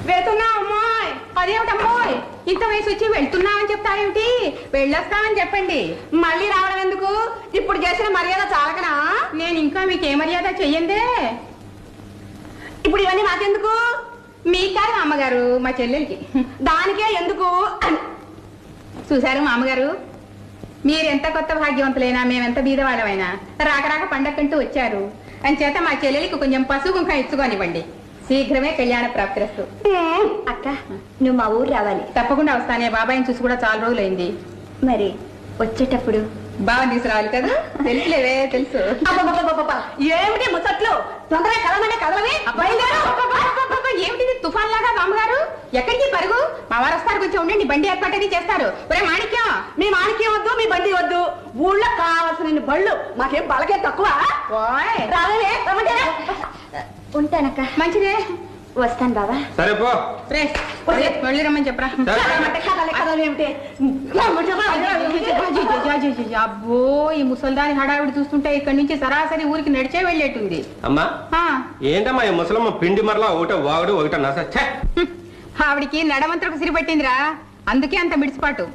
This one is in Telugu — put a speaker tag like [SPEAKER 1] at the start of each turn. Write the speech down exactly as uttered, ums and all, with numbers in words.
[SPEAKER 1] వెళ్తున్నా అమ్మాయి. అదేమిటమ్మాయి ఇంత వయసు వచ్చి వెళ్తున్నామని చెప్తారేమిటి? వెళ్ళొస్తామని చెప్పండి. మళ్ళీ రావడం ఎందుకు? ఇప్పుడు చేసిన మర్యాద చాలకనా? నేను ఇంకా మీకు ఏ మర్యాద చెయ్యందే. ఇప్పుడు ఇవన్నీ మాకెందుకు? మీ కాదు అమ్మగారు, మా చెల్లెలకి. దానికే ఎందుకు చూశారు మా అమ్మగారు. మీరెంత కొత్త భాగ్యవంతులైనా మేమెంత బీదవాళ్ళమైనా రాక రాక పండక్కంటూ వచ్చారు అని చేత మా చెల్లెలికి కొంచెం పసుపు కుంకం ఇచ్చుకోనివ్వండి. శీఘ్రమే కళ్యాణ ప్రాప్తిరస్తు.
[SPEAKER 2] అక్క నువ్వు మా ఊరు రావాలి.
[SPEAKER 1] తప్పకుండా వస్తానే. బాబాయిని చూసి కూడా చాలా రోజులైంది.
[SPEAKER 2] మరి వచ్చేటప్పుడు
[SPEAKER 1] బాగా తీసుకురావాలి కదా. తెలుసులేవే తెలుసు.
[SPEAKER 2] ఏమిటి ముచ్చట్లు? తొందరగా కదలమంటే కదలవి.
[SPEAKER 1] ఏమిటి తుఫాన్ లాగా బామ్మగారు? ఎక్కడికి పరుగు? మా వారు వస్తారు, కొంచెం ఉండండి, బండి ఏర్పాటు చేస్తారు. ఒరే మాణిక్యం,
[SPEAKER 2] మీ మాణిక్యం వద్దు, మీ బండి వద్దు. ఊళ్ళో కావాల్సిన బళ్ళు మాకేం బలకే తక్కువ. రావే ఉంటానక్క.
[SPEAKER 1] మంచిదే,
[SPEAKER 2] వస్తాను బాబా.
[SPEAKER 3] సరే పో.
[SPEAKER 1] రే మళ్ళీ రమ్మని చెప్పరా. అబ్బో ఈ ముసల్దాని హడావిడి చూస్తుంటే ఇక్కడి నుంచి సరాసరి ఊరికి నడిచే వెళ్ళేటుంది.
[SPEAKER 3] అమ్మా ఏంటమ్మా ఈ ముసలమ్మ పిండి మరలా ఒకట వాగుడు ఒకట నస.
[SPEAKER 1] ఆవిడికి నడమంత్రకు సిరిపట్టిందిరా, అందుకే అంత మిడిసిపాటు.